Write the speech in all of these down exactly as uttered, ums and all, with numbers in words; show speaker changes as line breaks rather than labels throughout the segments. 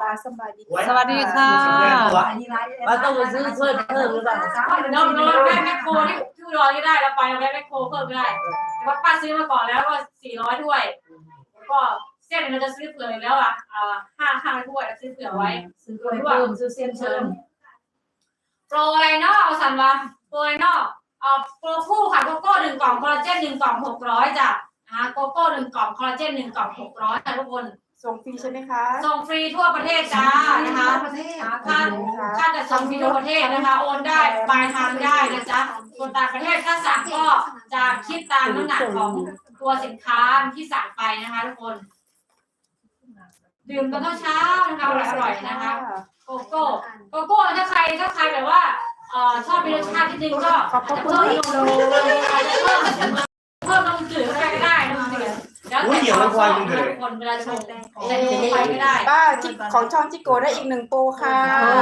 สบายดี
สวัสดีค่ะ
เราต้องไปซื้อเพิ่มเพิ่มหรือเปล่า
น้องน้องแม่แม่โคที่ที่อุดรก็ได้เราไปเราแม่แม่โคเพิ่มก็ได้แต่ว่าป้าซื้อมาก่อนแล้วก็สี่ร้อยถ้วยแล้วก็เส้นเราจะซื้อเผื่อแล้วอ่ะอ่าห้าห้าถ้วยเราซื้อเผื่อไว้
ซื้อถ้วยเพิ่มซื้อเส้นเพิ่ม
โปรอะไรเนาะเอาสันวะโปรอะไรเนาะเอาโปรคู่ค่ะโกโก้หนึ่งกล่องคอลลาเจนหนึ่งกล่องหกร้อยจ้ะนะคะโกโก้หนึ่งกล่องคอลลาเจนหนึ่งกล่องหกร้อยค่ะทุกคน
ส่งฟรีใช่ไหมคะ
ส่งฟรีทั่วประเทศจ้านะคะค่าค่าจะส่งฟรีทั่วประเทศนะคะโอนได้ปลายทางได้นะจ๊ะส่วนต่างประเทศถ้าสั่งก็จะคิดตามน้ำหนักของตัวสินค้าที่สั่งไปนะคะทุกคนดื่มตอนเช้านะคะอร่อยๆนะคะโกโก้โกโก้ถ้าใครถ้าใครแบบว่าเอ่อชอบมีรสชาติที่ดีก็จะเพิ่มนมอาจจะเพิ่มเพิ่มนมจืดเข้าไปก็ได้นมจืดแล้วแต่ความชอบของคนเวลาชงแต่นมไปไม่ได้
ป้าของช่องจิโกได้อีกหนึ่งโปรค่ะ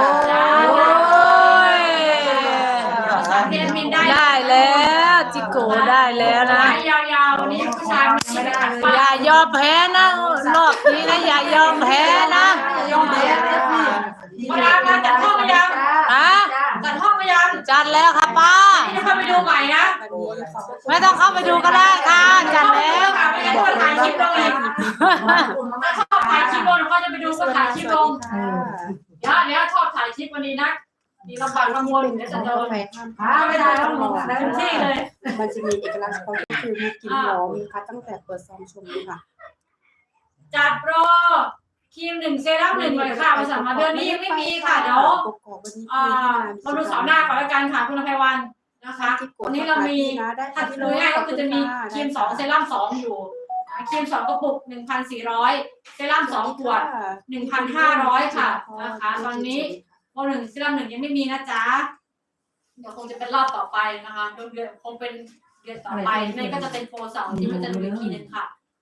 ได้
แล้วจิโกได้แล้วนะ
ยาวๆนี้ผู้ชายไม่ได้ขัด
อย่ายอมแพ้นะรอบนี้นะอย่ายอมแพ้นะ
ยอมแพ้มาดามจัดห้องมายัง
อ่ะ
จัดห้องมายัง
จัดแล้วค่ะป้า
ไม่เข้าไปดูใหม่นะ
ไม่ต้องเข้าไปดูก็ได้ค่ะจัดแล้ว
บอกถ่ายคลิปลงอีกถ้าชอบถ่ายคลิปลงก็จะไปดูก็ถ่ายคลิปลงเดี๋ยวเดี๋ยวชอบถ่ายคลิปวันนี้นะมีลำบากลำบนเดี๋ยวจะโดนหาไม่ได้แล้วเต็มที่เลย
มันจะมีเอกลักษณ์เฉพาะก็คือมีกลิ่นหอมค่ะตั้งแต่เปิดซองชมเลยค่ะ
จัดโปรครีมหนึ่งเซรั่มหนึ่งเลยค่ะมาสั่งมาเดือนนี้ยังไม่มีค่ะเดี๋ยวอ่ามาดูเสาร์หน้าก่อนแล้วกันค่ะคุณอภัยวันนะคะวันนี้เรามีถ้าดูง่ายก็คือจะมีครีมสองเซรั่มสองอยู่ครีมสองกระปุกหนึ่งพันสี่ร้อยเซรั่มสองขวดหนึ่งพันห้าร้อยค่ะนะคะตอนนี้โปรหนึ่งเซรั่มหนึ่งยังไม่มีนะจ๊ะเดี๋ยวคงจะเป็นรอบต่อไปนะคะเดือนคงเป็นเดือนต่อไปไม่ก็จะเป็นโปรเสาร์ที่มันจะดูอีกทีนึงค่ะ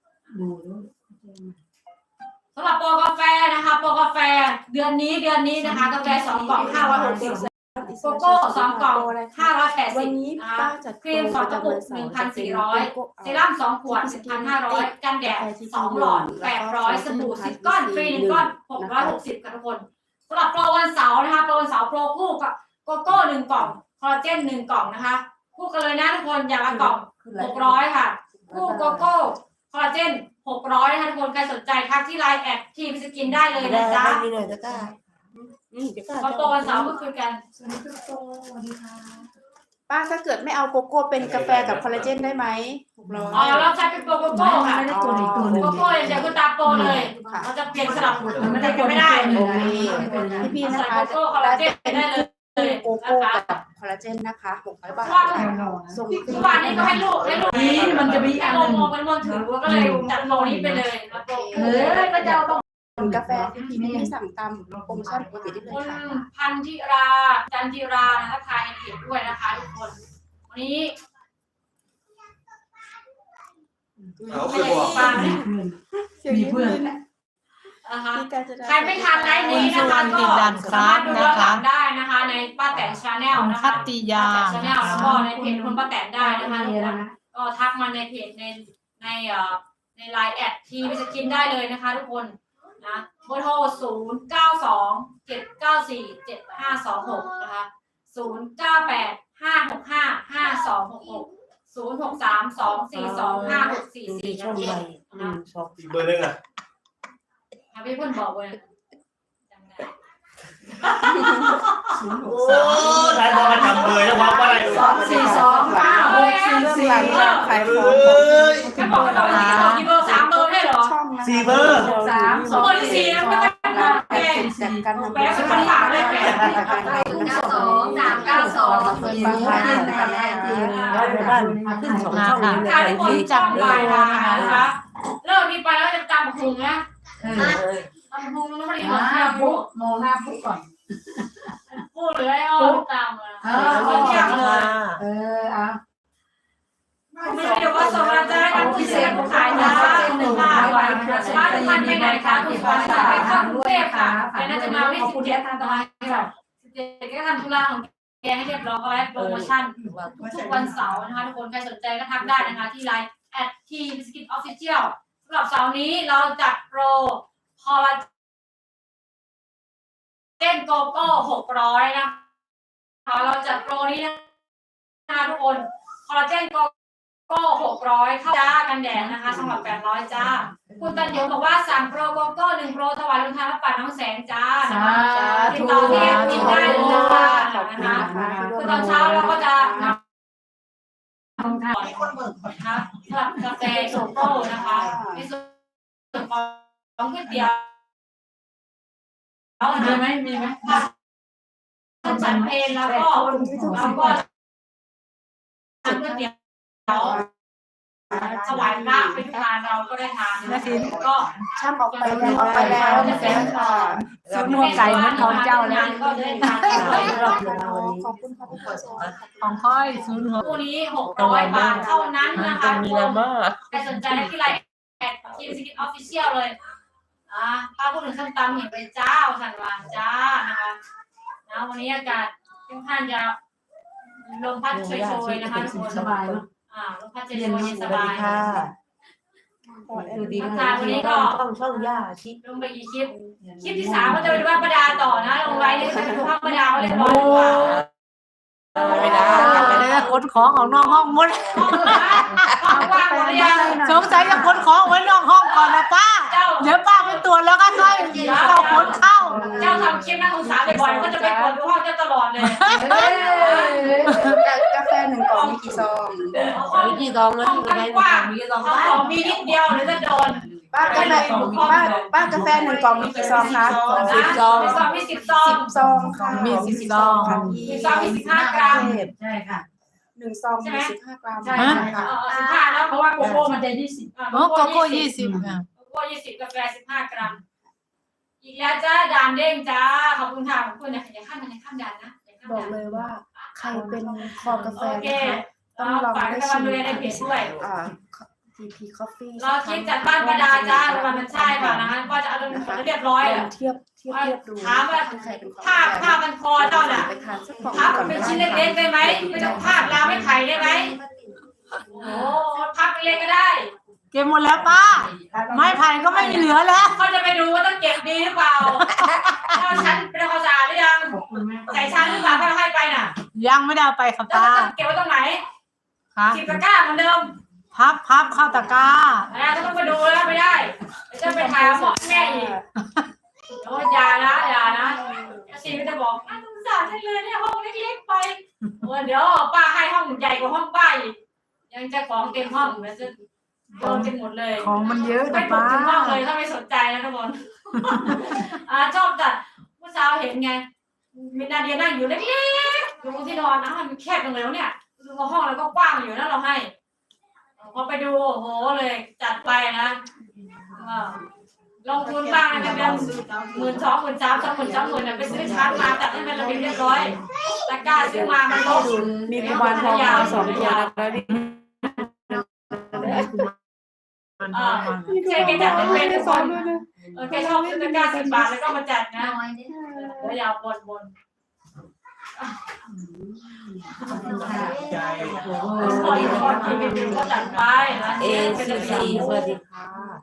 สำหรับโปรกาแฟนะคะโปรกาแฟเดือนนี้เดือนนี้นะคะกาแฟสองกล่องห้าร้อยหกสิบโกโก้สองกล่องห้าร้อยแปดสิบนะคะครีมสองกระปุกหนึ่งพันสี่ร้อยเซรั่มสองขวดหนึ่งพันห้าร้อยกันแดดสองหลอดแปดร้อยสบู่สิบก้อนฟรีหนึ่งก้อนหกร้อยหกสิบค่ะทุกคนสำหรับโปรวันเสาร์นะคะโปรวันเสาร์โปรคู่กับโกโก้หนึ่งกล่องคอลลาเจนหนึ่งกล่องนะคะคู่กันเลยนะทุกคนอย่างละกล่องหกร้อยค่ะคู่โกโก้คอลลาเจนหกร้อยนะคะทุกคนใครสนใจทักที่ไลน์แอดทีมสกินได้เลยนะจ๊ะ
มีหน่อยจะกล้า
โปรวันเสาร์ก็คือกัน
ป้าถ้าเกิดไม่เอาโกโก้เป็นกาแฟกับคอลลาเจนได้ไหม
อ๋อเราใช้เป็นโปรโกโก้ค่ะโกโก้อย่างเดียวคือตามโปรเลยเราจะเปลี่ยนสลับไม่ได้ไม่ได้
พี่พี่นะ
ใส่
คะ
โกโก้คอลลาเจนได้เลย
โกโก้กับคอลลาเจนนะคะหกร้อยบาท
ส่งทุกวันนี้ก็ให้ลูกให้ลูกนี้มันจะมีอันนึงมองเป็นมองถือก็เลยจัดโปรนี้ไปเลย
เออก็จะเอาต้องกาแฟพี่พี่ที่สั่งตามโปรโมชั่นปกติได้เลยค่ะ
พันธิราจันจิรานะคะทายในเพจด้วยนะคะทุกคนวันนี้ไม่ได้ฟัง
มีเพื่อน
นะคะใครไม่ทันไลฟ์นี้นะคะก็สามารถดูย้อนหลังได้นะคะในป้าแตนชาแนลนะคะ
คัตติยา
ชาแนลแล้วก็ในเพจคุณป้าแตนได้นะคะก็ทักมาในเพจในในเอ่อในไลน์แอดทีไปสกินได้เลยนะคะทุกคนนะเบอร์โทรศูนย์เก้าสองเจ็ดเก้าสี่เจ็ดห้าสองหกนะคะศูนย์เก้าแปดห้าหกห้าห้าสองหกหกศูนย์หกสามสองสี่สองห้าหกสี่สี่นะพี่นะ
เบอร์หนึ่งอ่ะ
พี่เพื่อนบอกเลย
โอ้ใครพอมาจำเบอร์แล้วว่าอะไร
สองสี่สองห้าหกสี่สี่
ขายของ
แค่บอกเรากี่เบอร์สามเบอร์ได้หรอ
สี่เบอร์
สามสองเบอร์ที่สี่แล้วก็แปด
จากการทำ
แปดสิบสามเลยแปด
เก้าสองสามเก้าสอง
เปิดบางร้านนะคะ
ได้ไปบ้านขึ้นสองช่อง
เลยการที่คนจับไปนะคะเลิกนี้ไปแล้วจะจำหุงนะจำหุงแล้วไม่ได้มาหน้าปุ๊บ
มองหน้าปุ๊บก่อน
พูดเลยอ๋อตามมาเออ
เออเอา
ไม่ใช่เดี๋ยวว่าส่งเราจะให้กันพิเศษขายนะหนึ่งห้าวันบ้านพันไปไหนคะคุณฟ้าสายข้ามกรุงเทพค่ะแต่น่าจะมาที่สิบเจ็ดทางตะวันค่ะสิบเจ็ดก็ทำธุระของแกให้เรียบร้อยก็ไว้โปรโมชั่นทุกวันเสาร์นะคะทุกคนใครสนใจก็ทักได้นะคะที่ไลน์แอดทีบิสกิทออฟฟิเชียลสำหรับเสาร์นี้เราจัดโปรพอลนโกโก้หกร้อยนะคะเราจัดโปรนี้นะทุกคนคอลลาเจนโกโก้หกร้อยเข้าจ้ากันแดดนะคะสำหรับแปดร้อยจ้าคุณตันยงบอกว่าสั่งโปรโกโก้หนึ่งโปรถวายลงทานรับปัดน้องแสงจ้านะคะติดต่อที่แอดมินได้เลยนะคะนะคะคือตอนเช้าเราก็จะนำลงทานนะคะสำหรับกาแฟโกโก้นะคะในส่วนของก๋วยเตี๋ยวมีไหมมีไหมฉันเพลแล้วก็แล้วก็ทานก๋วยเตี๋ยวถวายพระไปทุกงานเราก็ได้ทานนะก็
ช่างออกไปแล้วออกไปแล้วนะคะค่ะ
ศูนย์หัวไก่เหมือนของเจ้าเลย
ก็ได้ทาน
ขอบคุณค่ะพี่โส
ของค่อยศูนย์หัว
คู่นี้หกร้อยบาทเท่านั้นนะคะ
มีแล้วมาก
ใครสนใจที่ไลน์แอดทีมสกินออฟฟิเชียลเลยอ่าป้าพูดถึงส้มตำเห็นเป็นเจ้าสันวานจ้านะคะนะวันนี้อากาศค่อนข้างจะลมพัดโชยๆนะคะทุกคนสบายอ่าลมพัดโชยๆเย็นสบาย
ดูดี
ทานวันนี้ก็
ต้องช่องย่าชิ
ลงไปกี่คลิปคลิปที่สามก็จะไปดูว่าประดาต่อนะลงไว้เนี่ยจะไปดูภาพประดาเรียบร้อยดีกว่า
ไม่ได้กลับไปเลยขนของของน้องห้องมุด
ห้องว่างหมดหรือยัง
สงสัยจะขนของไว้นอกห้องก่อนนะป้า
เจ้า
เดี๋ยวป้าไปตรวจแล้วก็ค่อยเอาขนเข้า
เจ้าทำคลิปน่าสงสารบ่อยๆก็จะไปกดดูห้องเจ้าตลอดเลย
กาแฟหนึ่งกล่องมีกี่ซอง
มีกี่ซองแล้ว
ห้องกว้างมีสองของมีนิดเดียวหรือจะโดน
ป้ากาแฟป้าป้ากาแฟหนึ่งกล่องมีกี่ซองคะ
สิบซองสิบซองมีสิบซอง
สิบซองค่ะ
มีสิบซอง
สิบซองมีสิบห้ากรัม
ใช่ค่ะ
หนึ่งซองมีสิบห้ากรัม
ใช่ค่ะเออสิบห้าแล้วเพราะว่าโกโก้มันจะยี่สิบ
โอ้โกโก้ยี่สิบค่ะ
โกโก้ยี่สิบกาแฟสิบห้ากรัมอีกแล้วจ้าดานเด้งจ้าขอบคุณค่ะขอบคุณอย่าอย่าข้ามมันอย่าข้ามดานนะอย่าข้าม
บอก
ดาน
เลยว่าใครเป็นคอกาแฟ
โอเค
นะคะต้องลอง
ฝาก
ได้
ให้
ชิ
กำลัง
ม
ดูแลในเพจด้วย
อ่า ที พี Coffee
เราคิดจัดบ้านประดาจ้าวันมันใช่ป่ะนะคะก็จะเอาเรียบร้อย
ล
อ่ะ
องเทียบเทียบเทียบดู
ถามว่า
ใครเป็นคอกา
ภาพ
แฟ
ภาพมันคอเจ้าน่ะ
ไปทานสักกล่อง
พับ
ก่อน
เป็น
ก็
ชิ้น
ได้
เล็กๆได้ไหมไม่ต้องภาพลาไม่ไข่ได้ไหมโอ้พับเล็กก็ได้
เก็บหมดแล้วป้า ไม้ไผ่ก็ไม่มีเหลือแล้ว
เขาจะไปดูว่าต้องเก็บดีหรือเปล่าถ้าชั้นเป็นความสะอาดหรือยังใส่ชั้นหรือเปล่าถ้าเราให้ไปน่ะ
ยังไม่ได้เอาไปค่ะ
แล้ว
ป้า
จะเก็บไว้ตรงไหน
ค่ะ
สิบตะกร้าเหมือนเดิม
พับพับเข้าตะกร้า
นะถ้าต้องไปดูแล้วไม่ได้จะไปถ่ายหมอแม่อีกโอ้ยอย่านะอย่านะชีก็จะบอกน่าสงสารจังเลยเนี่ยห้องเล็กๆไปเดี๋ยวป้าให้ห้องใหญ่กว่าห้องป้าอีกยังจะของเต็มห้องแล้วจะโดนกันหมดเลย
ของมันเยอะ
ไม่
นะ
ถูก
ป้า
ถึงห้องเลยถ้าไม่สนใจนะทุกคนอ่าชอบจัดเมื่อเช้าเห็นไงมีนาเดียนั่งอยู่เล็กๆอยู่บนที่นอนนะมันแคบจังเลยเนี่ยดูว่าห้องเราก็กว้างอยู่นะเราให้พอไปดูโอ้โหเลยจัดไปนะลงทุนบ้างนะเป็นหมื่นสองหมื่นสามสองหมื่นสองหมื่นไปซื้อชาร์จมาจัดให้มันระเบียบเรียบร้อยตะกร้าซื้อมามันลง
มีกุมารทองมาสองตัวนะคะนี่
อ่าแกจัดเป็นทุกคนเออแกชอบซื้อตะกร้าสิบบาทแล้วก็มาจัดนะแล้วยาวบนบน
ใจ
คนคนที่เป็นก็จัดไปนะ
เอซีซีสวัสดีค่ะ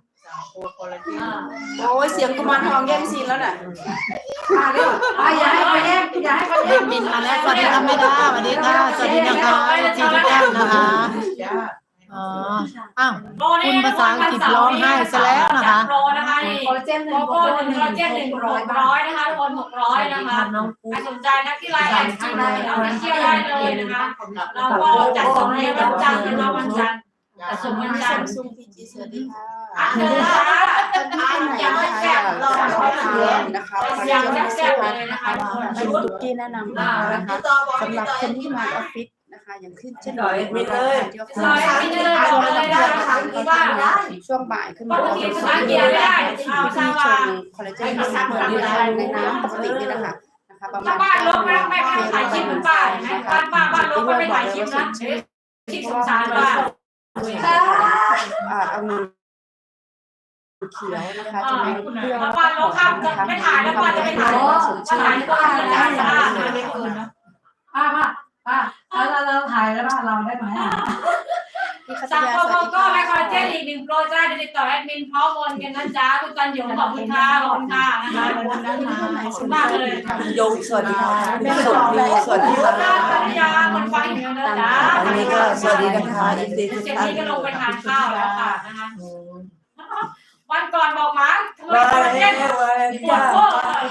โอ้ยเสียงกุมารทองแย่งซีนแล้วน่ะ
มาเร็วอ่ะอย่าให้เขาแย่งอย่าให้เขาแย่ง
บินมาแล้วสวัสดีค่ะแม่ดาสวัสดีค่ะสวัสดีนะคะทุกท่านนะคะอ๋ออ้าวคุณภาษาอังกฤษร้องไห้ซะแล้วนะคะ
โปรนะคะนี่
คอลลาเจนหนึ่
โก
ง
โก้หนึ่งคอลลาเจนหนึ่งหกร้อยนะคะทุกคนหกร้อยนะคะ
น้องปุ๊
ใครสนใจนะที่ไลน์แอดจีนเอาไปเที่ยวได้เลยนะคะเราก็จัดส่งในวันจันทร์เป็นวันจันทร์จัดส่งวันจันทร์
ซุงพีจีสวัสดีค่ะ
อ่ะเดี๋ยวนะคะ
ท่านที่ไหนนะคะอยากลองทานนะคะขอ
อยาก
เชิญ
แซ่บ
มา
ๆเลยนะคะทุกคน
เป็นตุ๊กกี้แนะนำนะคะสำหรับคนที่มาออฟฟิศนะคะอย่างขึ้นเช่นนี้ที่ออฟฟิศ
ซอยไม่เดินบอกเลยได้นะคะคือว่า
ช่วงบ่ายขึ้น
ป
มาก
ติภาษาอังกฤษไม่ได้เอา
ที่
ซา
ช
วา
งคอลลาเจนที่เหมือนในน้ำปกตินี่นะคะนะคะประมา
ถ้า
ณ
บ้านลบไม่ไม่ไม่ถ่ายคลิปเหมือนป้าเห็นไหมบ้านป้าบ้านลบไม่ถ่ายคลิปนะคลิปสงสารป้า
อ่าเอาน้ำเขียวนะคะจะไม่เปรี้ยว
ถ้าบ้านลบข้ามจะไม่ถ่ายแล้วป้าจะไม่ถ่ายจะถ่ายก็ถ่ายได้สะอาดไม่เกินนะ
ป้าป้าป้าแล้วเราถ่ายแล้วบ้านเราได้ไหม
พี่คัต
สั่ง
ยา
โก
สวัสดี
โก้
ค่ะ
และคอลลาเจนอีกหนึ่งนึ่งโปรจะได้ติดต่อแอดมินพร้อมโอนกันนะจ๊ะคุณจันหยงขอบคุณค่ะขอบคุณค่ะนะคะขอบคุณมากเลย
โยงสวัสดีค่ะสวัสดีสวัสดี
ขอบคุณ
ค่ะ
ค่ะภรรยาคนฟังอยู่นะจ๊ะ
อันนี้ก็สวัสดีนะคะอีกทีทุก
เจ็บ
ท่าน
นี้ก็ลงไปทานข้าวแล้วค่ะนะคะวันก่อนบอกมาทำไม
มา
คอลลาเจ
แล้
น
วมา
ปวด
จ้า
ข้อ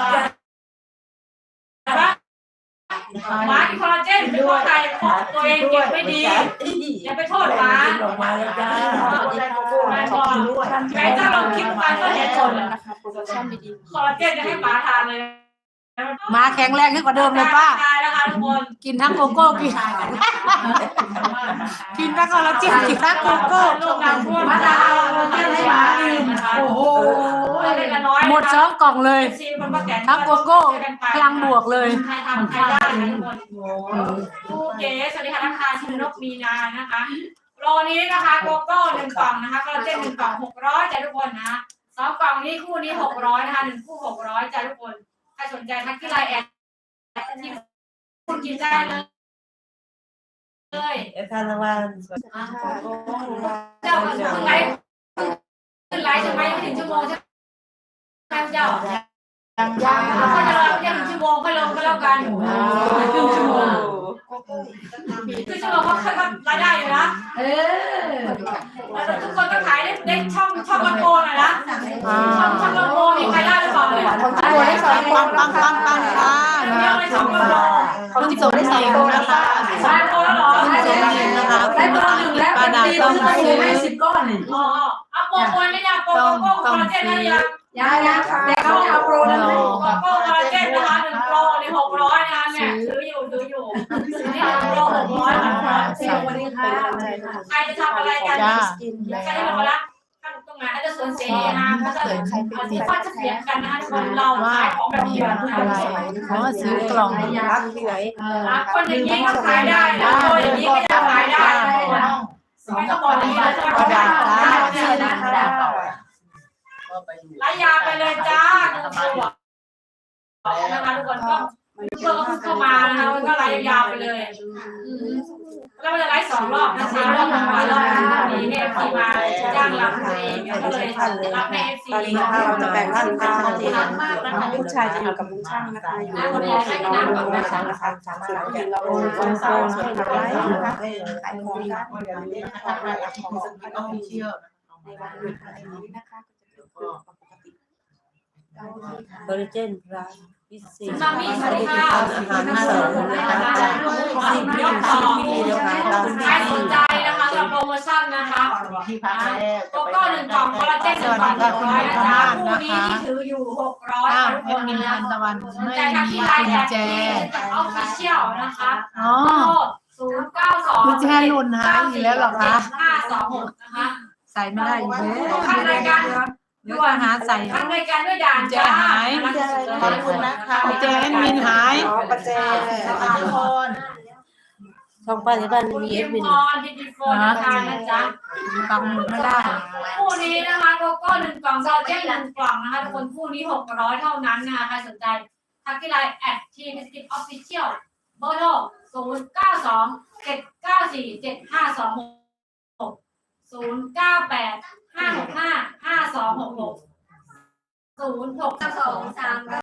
อะไรหมากินคอลลาเจนเป็นเพราะใครเพราะตัวเองเก็บไม่ดีอย่าไปโทษหมา
ออกมาแล้วจ้า
แม่ก่อนแม่ถ้าลองคิดไปก็เห็นผล
นะคะโปรดักชั่นดี
คอลลาเจนจะให้หมาทานเลย
มาแข็งแรงขึ้นกว่าเดิมเลยป้า
ทานนะคะทุกคน
กินทั้งโกโก้กินกินทั้งคอลลาเจนกินทั้งโกโก้
ลูกน้ำท่วม
มะนาวเราเต้นให้หมากิน
โอ้โหเล็กน้อย
หมดสองกล่องเลย
ซีมันก็แก่
ทั้งโกโก้พลังบวกเลย
ใครทำใครได้นะทุกคนผู้เก๋สวัสดีค่ะทักทายชินนกมีนานะคะโลนี้นะคะโกโก้หนึ่งกล่องนะคะคอลลาเจนหนึ่งกล่องหกร้อยจ้ะทุกคนนะสองกล่องนี้คู่นี้หกร้อยนะคะหนึ่งคู่หกร้อยจ้ะทุกคนใครสนใจทักที่ไลน์แอดที่คุณกินได้เลยเลย
เอฟทานวัน
เจ้าขึ้นไลฟ์ขึ้นไลฟ์ใช่ไหมไม่ถึงชั่วโมงใช่ไหมเจ้า
ยังยัง
เขาจะรอแค่หนึ่งชั่วโมงค่อยลงก็แล้วกัน
ครึ่งชั่วโมง
คือชั่วโมงเขาเขารายได้อยู่นะ
เออ
แล้วทุกคนก็ขายได้ได้ช่องช่องลำโพงหน่อยนะ
อ่า
ช่องช่องลำโพงมีใครได้หรือเปล่าเนี่ย
ของจิโกได้สองโปร
ปังปังปังปังค่ะ
เดียวเลยช่องลำโพง
ของจิโกได้สองโปรนะคะ
ได้โปรแล้วเหรอ
คุณเจนนี่นะคะ
ได้ตัวหนึ่งแล้ว
ป้าดาต้องซื้อ
ให้สิบก้อนนี่
อ๋อเอาโปรโอนได้ยังโปรโกโก้คอลลาเจนได้ยัง
ยังยังแต่เขาจะเอาโปรนั้นให้
โกโก้คอลลาเจนนะคะหนึ่งโปรนี่หกร้อยนะคะเนี่ยซื้ออยู่ซื้ออยู่นี่หนึ่งโปรหกร้อยนะคะ
สวัสดีค่ะ
ใครจะทำอะไรกัน
จ้า
ใครจะทำอะไรข้างตรงไหนอาจจะสวนเสรีนะก็จะอาจจะฟาดจะเสียงกันนะคะทุกคนเรา
ว่า
ขายของแบบ
มี
เดียว
อะไรเพราะว่าซื้อกล่อง
รักที่ไหน
คนอย่างนี้ก็ขายได้นะคนอย่างนี้ก็จะขายได้ไม่ต้องบอกอย่างนี้เลยจะขายได้ไล่ยาไปเลยจ้าทุกคนนะคะทุกคนก็เพื่อนก็เข้ามานะคะก็ไล่ยาวไปเลยแล้วมันจะไล่สองรอบนะคะรอบหนึ่งมารอบหนึ่งนี้เนี่ยทีมาจ้างเราเองก็เลยรับในเอฟซี
ตอนนี้นะคะเราจะแบ่งทีมกันชัดเจนนะคะลูกชายจะอยู่กับลุงช่างนะคะอยู่กับลุงช่างนะคะนะคะส่วนผู้หญิงเราโอนโอนโอนให้กับไลฟ์นะคะขายของได้นะคะขายของสักพักต้องเชื่อในวันหยุดอะไรนี้นะคะก็จะเกิดขึ้นปกติ
คอลลาเจนพลัสพิเศษ
มามีสวัสดีค่ะ
อาหารเสริมนะคะสิบมิลลิลิตรนะคะตาม
ใครสนใจนะคะกับโปรโมชั่นนะคะโกโก้หนึ่งกล่องคอลลาเจนหนึ่งกล่องหกร้อยนะจ๊ะคู่นี้ที่ถืออยู่หกร้อย
อ้าว
ทุก
แอ
ค
ด
น
มิน
นะ
ทันตะวัน
สน
ไม่
ใจทัก
มี
ที่ไล
กุ
น์
ญ
แอด
แจ
ออฟฟิเชียลนะคะ
อ๋อ
ศูนย์เก้าสอง
กุญแจหล่นหายอีกแล้วเหรอคะ
ห้าสองหกนะคะ
ใส่ไม่ได้อีกแล้ว
ทำรายการ
เดี๋ยวจะหาใส่
ทำรายการด้วยด่านจ้า
ขอบคุณนะคะ
กุญแจแอดมินหาย
อ๋อประแจ
ทุกคนช่องป้าที่บ้าน
คุณ
มี
ยิ
เอฟ
ม
วิน
พรที่ดีโฟนนะคะนะจ๊ะ
ฟังไม่ได้
คู่นี้นะคะโกโก้หนึ่งกล่องซอเจ็ตหนึ่งกล่องนะคะทุกคนคู่นี้หกร้อยเท่านั้นนะคะใครสนใจทักที่ไลน์แอดทีมสกิปออฟฟิเชียลเบอร์โทรศูนย์เก้าสองเจ็ดเก้าสี่เจ็ดห้าสองหกศูนย์เก้าแปดห้าหกห้าห้าสองหกหกศูนย์หกสองสาม